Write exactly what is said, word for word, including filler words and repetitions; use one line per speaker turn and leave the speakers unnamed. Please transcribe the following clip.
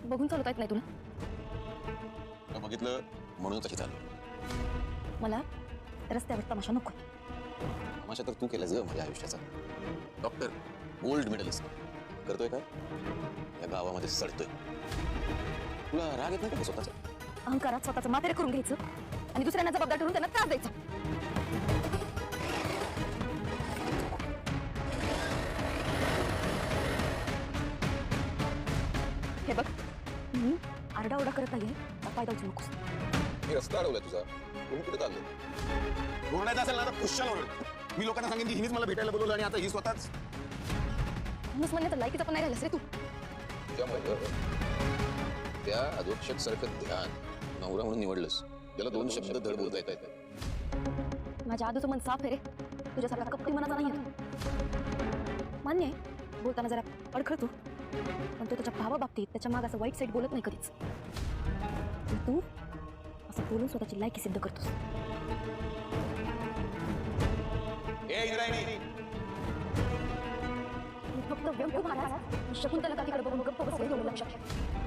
बघून चालवता येत नाही तुला?
तुला बघितलं म्हणून तशी चालू.
मला रस्त्यावर तमाशा नको.
तमाशा तर तू केलास ग माझ्या आयुष्याचा. डॉक्टर, गोल्ड मेडलिस्ट करतोय काय या गावामध्ये सडतोय. तुला राग येत नाही का स्वतःचा?
अहंकारात स्वतःचं मातेरे करून घ्यायचं आणि दुसऱ्यांना जबाबदार ठरवून त्यांना त्रास द्यायचा. हे बघ, मी आरडाओरडा करत नाहीये, फायदा उचलू नकोस.
मी रस्ता अडवलाय तुझा, तुम्ही कुठे चालले? ओरडायचं असेल ना तर खुशाल ओरड. मी लोकांना सांगेन की हिनीच मला भेटायला बोलवलं आणि आता ही स्वतःच.
म्हणूनच म्हणलं तर लायकीचा पण नाही राहिलास रे तू.
त्यामुळे त्या अधोक्षक सारखं ध्यान नवरा म्हणून निवडलंस, त्याला दोन शब्द धड बोलता येत आहेत.
माझ्या आधीचं मन साफ आहे रे, तुझ्यासारखा कपटी मनाचा नाही आहे. मान्य आहे बोलताना जरा अडखळतो, पण तो त्याच्या भावाबाबतीत त्याच्या माग असं वाईट साईड बोलत नाही कधीच. तू असं बोलून स्वतःची लायकी सिद्ध करतोस.
ए इंद्रायणी,
मी फक्त व्यंग महाराज शकुंतला काकीकडे बघून गप्प बसले एवढं लक्षात ठेव.